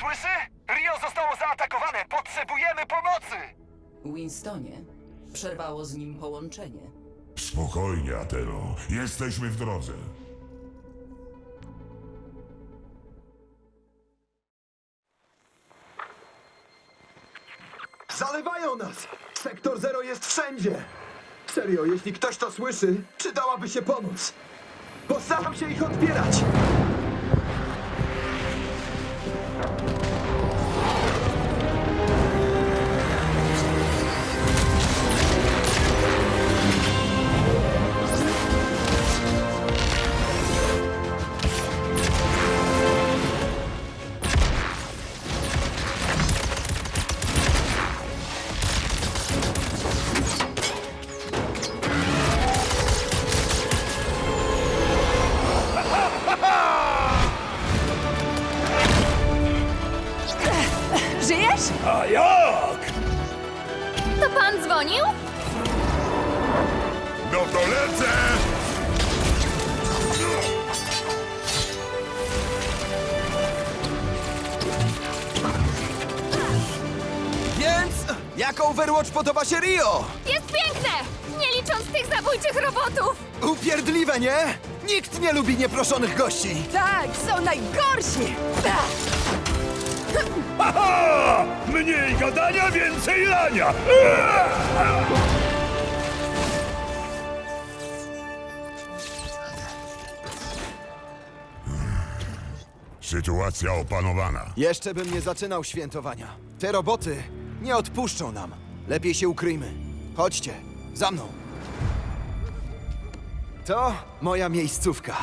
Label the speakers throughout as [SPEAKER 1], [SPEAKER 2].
[SPEAKER 1] słyszy? Rio zostało zaatakowane! Potrzebujemy pomocy!
[SPEAKER 2] Winstonie, przerwało z nim połączenie.
[SPEAKER 3] Spokojnie, Atero. Jesteśmy w drodze.
[SPEAKER 4] Zalewają nas! Sektor Zero jest wszędzie! Serio, jeśli ktoś to słyszy, przydałaby się pomoc. Postaram się ich odbierać!
[SPEAKER 5] Żyjesz?
[SPEAKER 1] A jak?
[SPEAKER 5] To pan dzwonił?
[SPEAKER 3] No to lecę!
[SPEAKER 4] Więc, jak Overwatch podoba się Rio?
[SPEAKER 5] Jest piękne! Nie licząc tych zabójczych robotów!
[SPEAKER 4] Upierdliwe, nie? Nikt nie lubi nieproszonych gości.
[SPEAKER 5] Tak, są najgorsi!
[SPEAKER 1] Aha! Mniej gadania, więcej lania!
[SPEAKER 3] Sytuacja opanowana.
[SPEAKER 4] Jeszcze bym nie zaczynał świętowania. Te roboty nie odpuszczą nam. Lepiej się ukryjmy. Chodźcie, za mną. To moja miejscówka.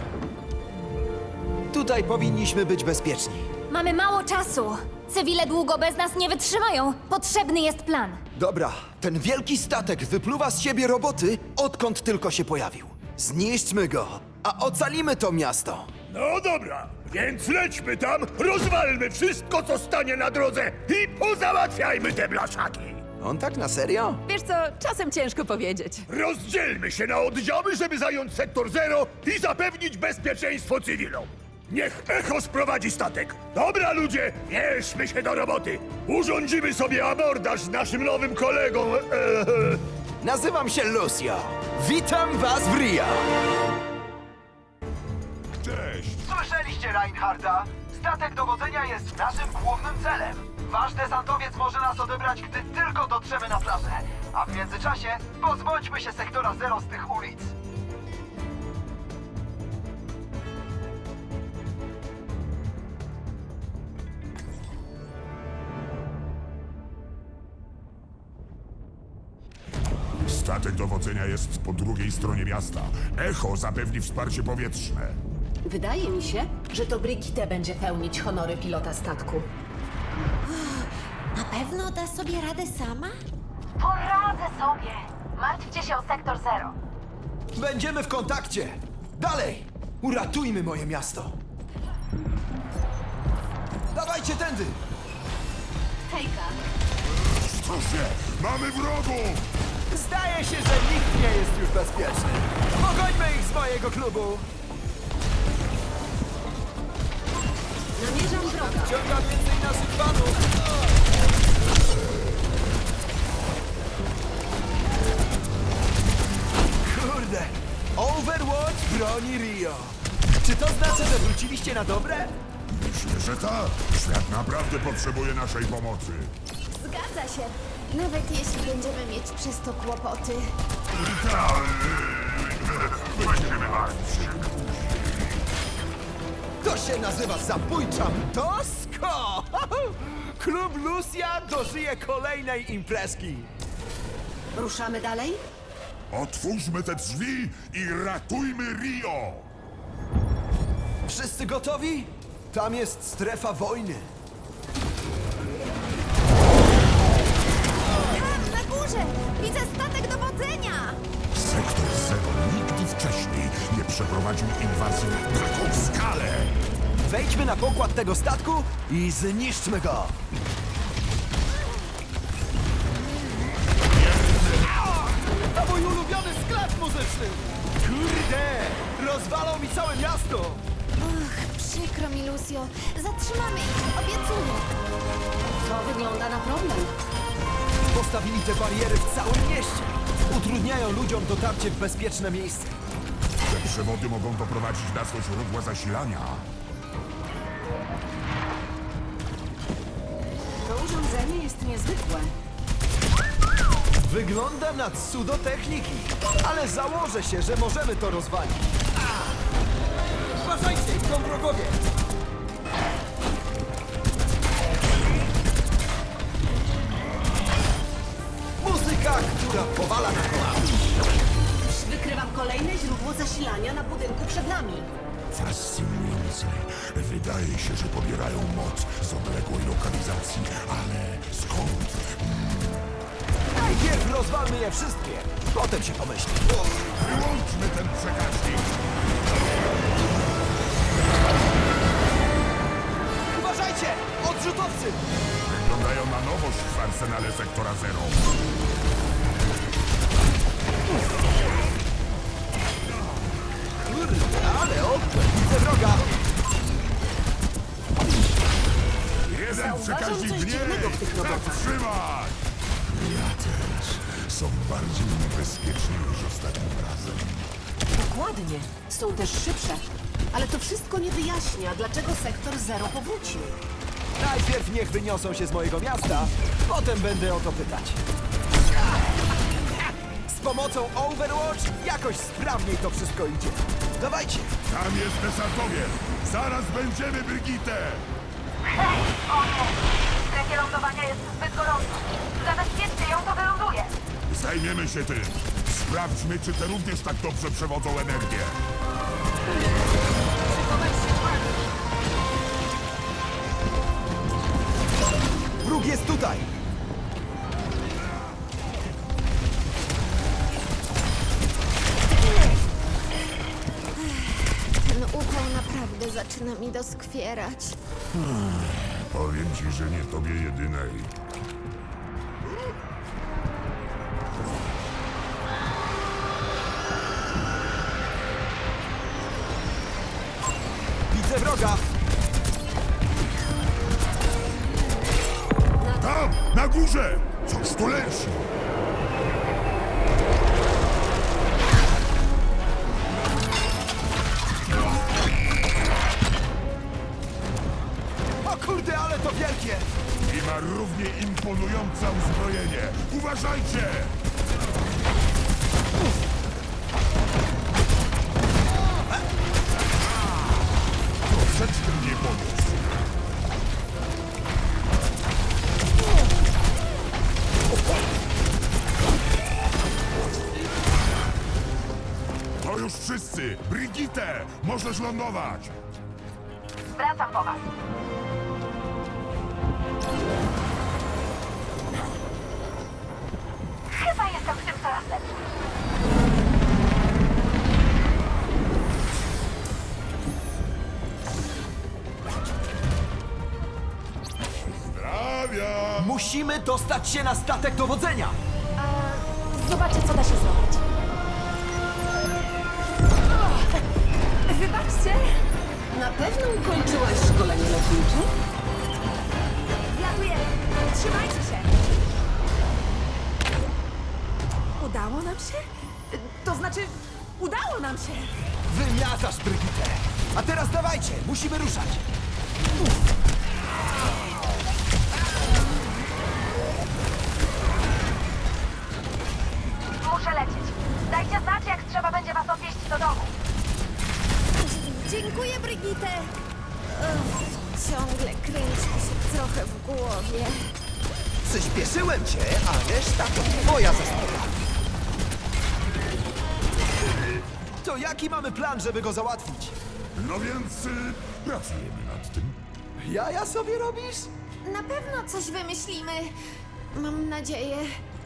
[SPEAKER 4] Tutaj powinniśmy być bezpieczni.
[SPEAKER 5] Mamy mało czasu. Cywile długo bez nas nie wytrzymają. Potrzebny jest plan.
[SPEAKER 4] Dobra, ten wielki statek wypluwa z siebie roboty, odkąd tylko się pojawił. Zniszczmy go, a ocalimy to miasto.
[SPEAKER 1] No dobra, więc lećmy tam, rozwalmy wszystko, co stanie na drodze i pozałatwiajmy te blaszaki!
[SPEAKER 4] On tak na serio?
[SPEAKER 6] Wiesz co, czasem ciężko powiedzieć.
[SPEAKER 1] Rozdzielmy się na oddziały, żeby zająć sektor zero i zapewnić bezpieczeństwo cywilom. Niech Echo sprowadzi statek. Dobra, ludzie, bierzmy się do roboty. Urządzimy sobie abordaż z naszym nowym kolegą.
[SPEAKER 4] Nazywam się Lucio. Witam was w Rio.
[SPEAKER 3] Cześć!
[SPEAKER 7] Słyszeliście Reinharda? Statek dowodzenia jest naszym głównym celem. Wasz desantowiec może nas odebrać, gdy tylko dotrzemy na plażę. A w międzyczasie pozbądźmy się sektora zero z tych ulic.
[SPEAKER 3] Statek dowodzenia jest po drugiej stronie miasta. Echo zapewni wsparcie powietrzne.
[SPEAKER 8] Wydaje mi się, że to Brigitte będzie pełnić honory pilota statku.
[SPEAKER 9] Na pewno da sobie radę sama?
[SPEAKER 5] Poradzę sobie. Martwcie się o sektor zero.
[SPEAKER 4] Będziemy w kontakcie. Dalej! Uratujmy moje miasto. Dawajcie tędy!
[SPEAKER 8] Hejka,
[SPEAKER 3] Proszę, mamy wrogów!
[SPEAKER 4] Zdaje się, że nikt nie jest już bezpieczny. Pogońmy ich z mojego klubu.
[SPEAKER 8] namierzam wroga.
[SPEAKER 4] Ciągam więcej naszych fanów. Kurde, Overwatch broni Rio. Czy to znaczy, że wróciliście na dobre?
[SPEAKER 3] Myślę, że tak. Świat naprawdę potrzebuje naszej pomocy.
[SPEAKER 9] Zgadza się. Nawet jeśli będziemy mieć przez to kłopoty.
[SPEAKER 3] Będziemy martwić się.
[SPEAKER 4] To się nazywa zabójcza Tosko! Klub Lucia dożyje kolejnej imprezki.
[SPEAKER 8] Ruszamy dalej?
[SPEAKER 3] Otwórzmy te drzwi i ratujmy Rio!
[SPEAKER 4] Wszyscy gotowi? Tam jest strefa wojny.
[SPEAKER 9] Tam, na górze! Widzę statek dowodzenia!
[SPEAKER 3] Sektor Zero nigdy wcześniej nie przeprowadził inwazji na taką skalę!
[SPEAKER 4] Wejdźmy na pokład tego statku i zniszczmy go! To mój ulubiony sklep muzyczny! Kurde! Rozwalą mi całe miasto!
[SPEAKER 9] Och, Przykro mi, Lucio. Zatrzymamy ich, obiecuję.
[SPEAKER 8] To wygląda na problem.
[SPEAKER 4] Postawili te bariery w całym mieście. Utrudniają ludziom dotarcie w bezpieczne miejsce.
[SPEAKER 3] Te przewody mogą doprowadzić nas do źródła zasilania.
[SPEAKER 8] To urządzenie jest niezwykłe.
[SPEAKER 4] Wygląda na cudo techniki, ale założę się, że możemy to rozwalić. Uważajcie, idą wrogowie! Muzyka, która powala na kolana.
[SPEAKER 8] Wykrywam kolejne źródło zasilania na budynku przed nami.
[SPEAKER 3] Fascynujące. Wydaje się, że pobierają moc z odległej lokalizacji, ale skąd?
[SPEAKER 4] Najpierw rozwalmy je wszystkie, potem się pomyśli.
[SPEAKER 3] Wyłączmy ten przekaźnik!
[SPEAKER 4] Uważajcie! Odrzutowcy!
[SPEAKER 3] Wyglądają na nowość w arsenale Sektora Zero.
[SPEAKER 4] Kurde, ale widzę wroga!
[SPEAKER 3] Jeden
[SPEAKER 8] Zauważam
[SPEAKER 3] przekaźnik
[SPEAKER 8] coś dziwnego w tych
[SPEAKER 3] mniej!
[SPEAKER 8] robotach.
[SPEAKER 3] Zatrzymać! Ja też. Są bardziej niebezpieczni niż ostatnim razem.
[SPEAKER 8] Dokładnie. Są też szybsze. Ale to wszystko nie wyjaśnia, dlaczego sektor Zero powrócił.
[SPEAKER 4] Najpierw niech wyniosą się z mojego miasta, potem będę o to pytać. Z pomocą Overwatch jakoś sprawniej to wszystko idzie. Dawajcie!
[SPEAKER 3] Tam jest desantowiec! Zaraz będziemy, Brigitte!
[SPEAKER 10] Hej, o nie! W strefie lądowania jest zbyt gorąco. Zabezpieczcie ją, to wyląduje.
[SPEAKER 3] Zajmiemy się tym. Sprawdźmy, czy te również tak dobrze przewodzą energię.
[SPEAKER 4] Wróg jest tutaj!
[SPEAKER 9] Ten upał naprawdę zaczyna mi doskwierać.
[SPEAKER 3] Powiem ci, że nie tobie jedynej.
[SPEAKER 4] Widzę wroga!
[SPEAKER 3] Tam! Na górze! Coś tu leci!
[SPEAKER 4] O kurde, ale to wielkie!
[SPEAKER 3] I ma równie imponujące uzbrojenie. Uważajcie! Troszeczkę mnie poniósł. To już wszyscy! Brigitte! Możesz lądować!
[SPEAKER 10] Wracam po was. Chyba jestem w tym coraz lepszy.
[SPEAKER 3] Zdrawia!
[SPEAKER 4] Musimy dostać się na statek dowodzenia!
[SPEAKER 5] Zobaczę, co da się zrobić.
[SPEAKER 6] Wybaczcie!
[SPEAKER 8] Na pewno ukończyłaś szkolenie lotnicze?
[SPEAKER 6] Latujemy! Trzymajcie się! Udało nam się? To znaczy, udało nam się!
[SPEAKER 4] Wymiatasz, Brigitte! A teraz dawajcie, musimy ruszać!
[SPEAKER 10] Muszę lecieć. Dajcie znać, jak trzeba będzie was odwieźć do domu.
[SPEAKER 9] Dziękuję, Brigitte. Ciągle kręci mi się trochę w głowie.
[SPEAKER 4] Przyspieszyłem cię, a reszta to twoja zasługa. To jaki mamy plan, żeby go załatwić?
[SPEAKER 3] No więc pracujemy nad tym.
[SPEAKER 4] Jaja sobie robisz?
[SPEAKER 9] Na pewno coś wymyślimy. Mam nadzieję.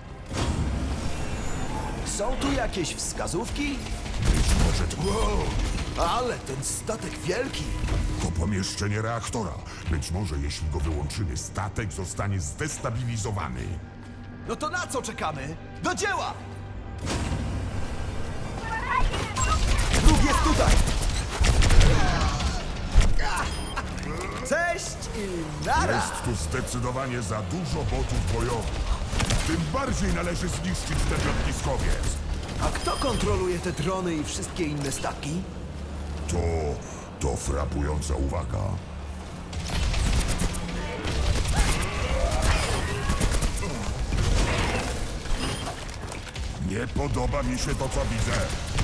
[SPEAKER 4] Są tu jakieś wskazówki?
[SPEAKER 3] Być może to... Wow!
[SPEAKER 4] Ale ten statek wielki!
[SPEAKER 3] To pomieszczenie reaktora. Być może jeśli go wyłączymy, statek zostanie zdestabilizowany.
[SPEAKER 4] No to na co czekamy? Do dzieła! Wróg jest tutaj! Cześć i nara!
[SPEAKER 3] Jest tu zdecydowanie za dużo botów bojowych. Tym bardziej należy zniszczyć ten lotniskowiec.
[SPEAKER 4] A kto kontroluje te drony i wszystkie inne statki?
[SPEAKER 3] To frapująca uwaga. Nie podoba mi się to, co widzę.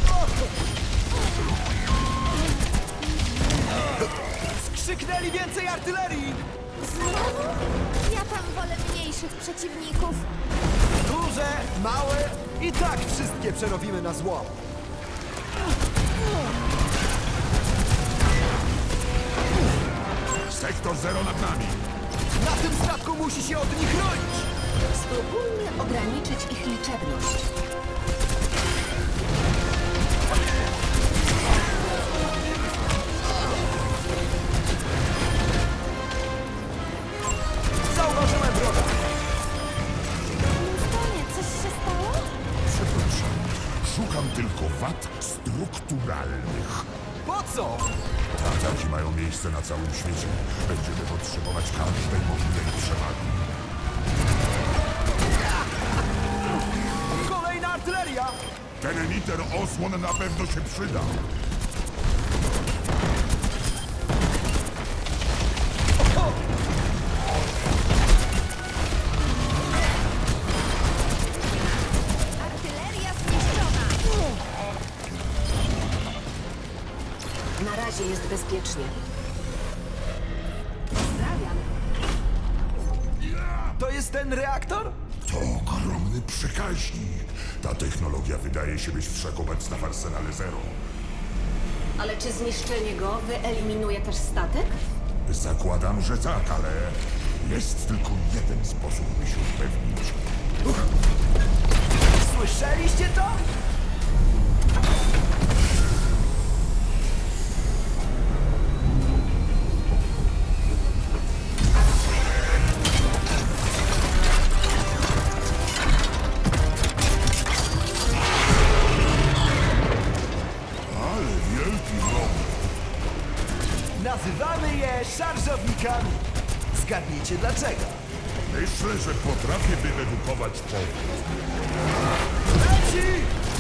[SPEAKER 4] Skrzyknęli więcej artylerii!
[SPEAKER 9] Znowu? Ja tam wolę mniejszych przeciwników.
[SPEAKER 4] Duże, małe i tak wszystkie przerobimy na zło.
[SPEAKER 3] Sektor 0 nad nami.
[SPEAKER 4] Na tym statku musi się od nich chronić!
[SPEAKER 8] Spróbujmy ograniczyć ich liczebność.
[SPEAKER 4] Zauważyłem wroga!
[SPEAKER 9] Winstonie, coś się stało?
[SPEAKER 3] Przepraszam. Szukam tylko wad strukturalnych.
[SPEAKER 4] Po co?
[SPEAKER 3] Te ataki mają miejsce na całym świecie. Będziemy potrzebować każdej możliwej przewagi.
[SPEAKER 4] Kolejna artyleria!
[SPEAKER 3] Ten emiter osłon na pewno się przyda.
[SPEAKER 9] Artyleria zniszczona!
[SPEAKER 8] Na razie jest bezpiecznie. Pozdrawiam.
[SPEAKER 4] To jest ten reaktor?
[SPEAKER 3] To ogromny przekaźnik. Ta technologia wydaje się być wszechobecna w arsenale Zero.
[SPEAKER 8] Ale czy zniszczenie go wyeliminuje też statek?
[SPEAKER 3] Zakładam, że tak, ale jest tylko jeden sposób, by się upewnić.
[SPEAKER 4] Słyszeliście to?
[SPEAKER 3] Ale wielki rok.
[SPEAKER 4] Nazywamy je szarżownikami. Zgadnijcie dlaczego.
[SPEAKER 3] Myślę, że potrafię wyredukować powód.
[SPEAKER 4] Leci!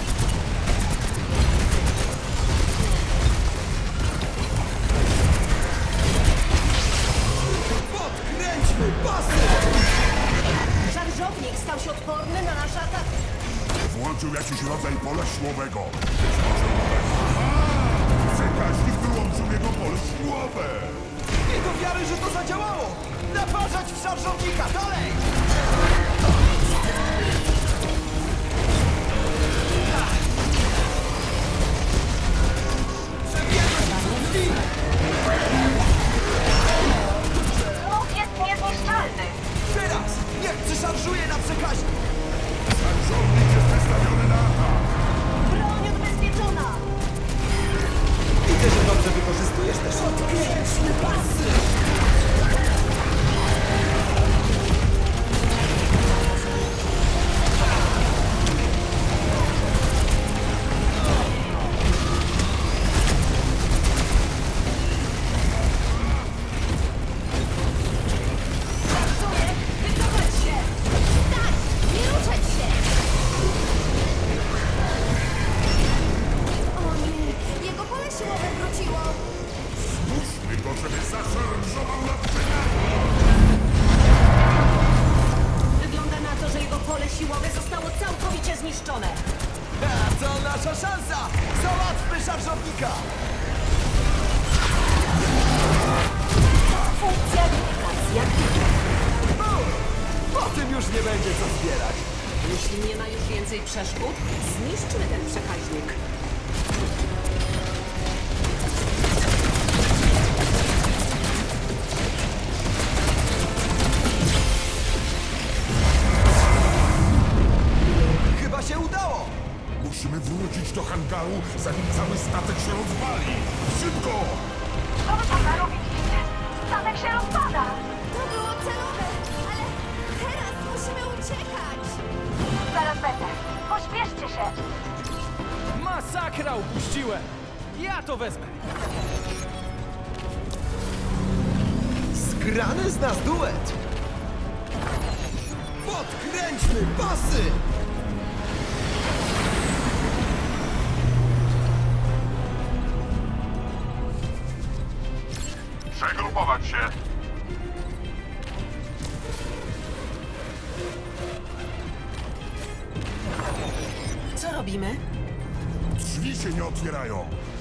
[SPEAKER 4] Podkręćmy pasy!
[SPEAKER 8] Szarżownik stał się odporny na nasz atak.
[SPEAKER 3] Włączył jakiś rodzaj pola siłowego. Być może przekaźnik wyłączył jego pole siłowe.
[SPEAKER 4] Nie do wiary, że to zadziałało! Naparzać w szarżownika! Dalej!
[SPEAKER 10] Łuk jest niezniszczalny.
[SPEAKER 4] Teraz! Niech przeszarżuje na przekaźnik!
[SPEAKER 3] Żołnierz jest wystawiony na atak.
[SPEAKER 8] Broń odbezpieczona!
[SPEAKER 4] Widzę, że dobrze wykorzystujesz te szoty.
[SPEAKER 8] Odkręćmy pasy!
[SPEAKER 10] Pracuję. Wycofać się.
[SPEAKER 9] Tak! Nie ruszać się! O nie! Jego pole siłowe wróciło!
[SPEAKER 3] Zmuszmy go, żeby zaszarżował na przekaźnik.
[SPEAKER 8] Wygląda na to, że jego pole siłowe zostało całkowicie zniszczone.
[SPEAKER 4] A to nasza szansa! Załatwmy szarżownika!
[SPEAKER 8] Funkcja aplikacji aktywna.
[SPEAKER 4] Po tym już nie będzie co zbierać.
[SPEAKER 8] Jeśli nie ma już więcej przeszkód, zniszczmy ten przekaźnik.
[SPEAKER 4] Chyba się udało!
[SPEAKER 3] Musimy wrócić do hangaru, zanim cały statek się rozwali. Szybko!
[SPEAKER 10] Co wy tam narobiliście? Statek się rozpada.
[SPEAKER 9] To było celowe, ale teraz musimy uciekać!
[SPEAKER 10] Zaraz będę. Pośpieszcie się.
[SPEAKER 11] Masakra upuściłem! Ja to wezmę!
[SPEAKER 4] Grany z nas duet! Podkręćmy pasy!
[SPEAKER 3] Przegrupować się!
[SPEAKER 8] Co robimy?
[SPEAKER 3] Drzwi się nie otwierają!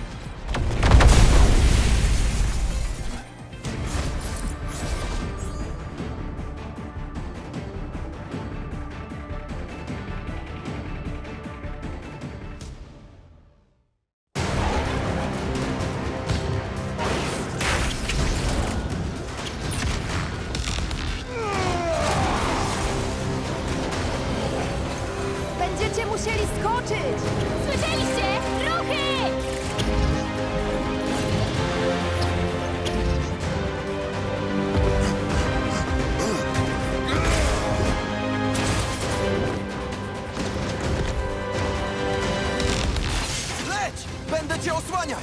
[SPEAKER 6] Będziecie musieli skoczyć!
[SPEAKER 5] Słyszeliście? Ruchy!
[SPEAKER 4] Leć! Będę cię osłaniać!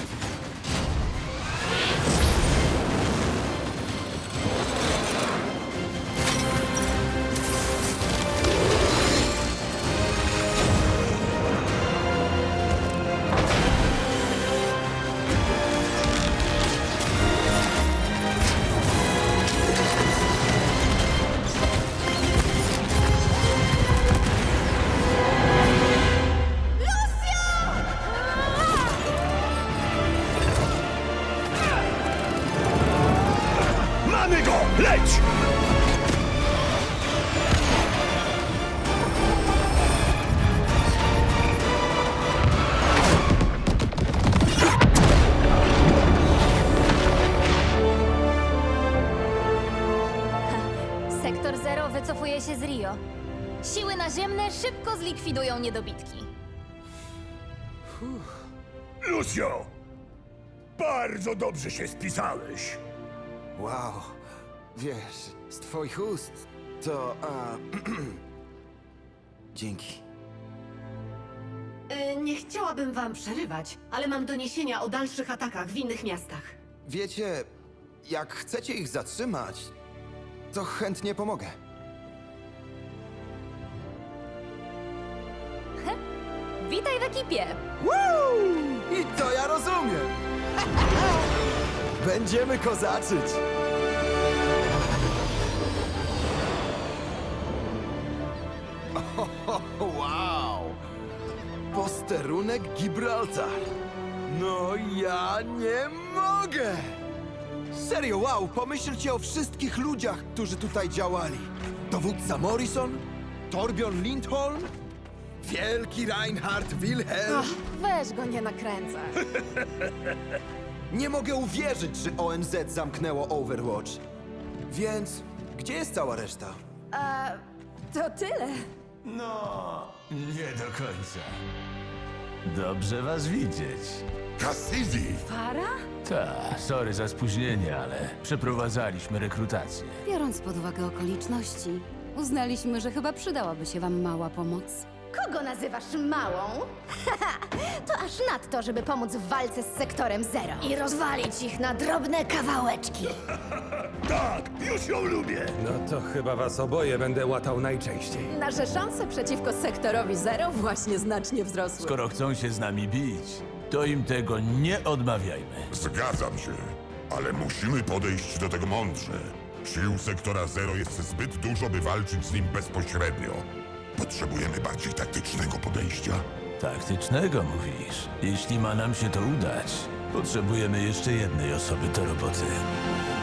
[SPEAKER 1] Mamy go! Leć!
[SPEAKER 5] Sektor Zero wycofuje się z Rio. Siły naziemne szybko zlikwidują niedobitki.
[SPEAKER 1] Lucio! Bardzo dobrze się spisałeś.
[SPEAKER 4] Wow, wiesz, z twoich ust to... Dzięki.
[SPEAKER 8] Nie chciałabym wam przerywać, ale mam doniesienia o dalszych atakach w innych miastach.
[SPEAKER 4] Wiecie, jak chcecie ich zatrzymać, to chętnie pomogę.
[SPEAKER 5] Witaj w ekipie!
[SPEAKER 4] Woo! I to ja rozumiem! Będziemy kozaczyć! Wow! Posterunek Gibraltar! No ja nie mogę! Serio, wow! Pomyślcie o wszystkich ludziach, którzy tutaj działali. Dowódca Morrison, Torbjorn Lindholm, wielki Reinhard Wilhelm.
[SPEAKER 6] Weź go, nie nakręcaj.
[SPEAKER 4] Nie mogę uwierzyć, że ONZ zamknęło Overwatch. Więc gdzie jest cała reszta?
[SPEAKER 6] To tyle.
[SPEAKER 11] No, nie do końca. Dobrze was widzieć.
[SPEAKER 3] Cassidy!
[SPEAKER 6] Para?
[SPEAKER 11] Ta, sorry za spóźnienie, ale przeprowadzaliśmy rekrutację.
[SPEAKER 12] Biorąc pod uwagę okoliczności, uznaliśmy, że chyba przydałaby się wam mała pomoc.
[SPEAKER 9] Kogo nazywasz małą? To aż nadto, żeby pomóc w walce z sektorem Zero i rozwalić ich na drobne kawałeczki.
[SPEAKER 1] Tak, już ją lubię.
[SPEAKER 13] No to chyba was oboje będę łatał najczęściej.
[SPEAKER 6] Nasze szanse przeciwko sektorowi Zero właśnie znacznie wzrosły.
[SPEAKER 11] Skoro chcą się z nami bić, to im tego nie odmawiajmy.
[SPEAKER 3] Zgadzam się, ale musimy podejść do tego mądrze. Sił sektora Zero jest zbyt dużo, by walczyć z nim bezpośrednio. Potrzebujemy bardziej taktycznego podejścia.
[SPEAKER 11] Taktycznego mówisz? Jeśli ma nam się to udać, potrzebujemy jeszcze jednej osoby do roboty.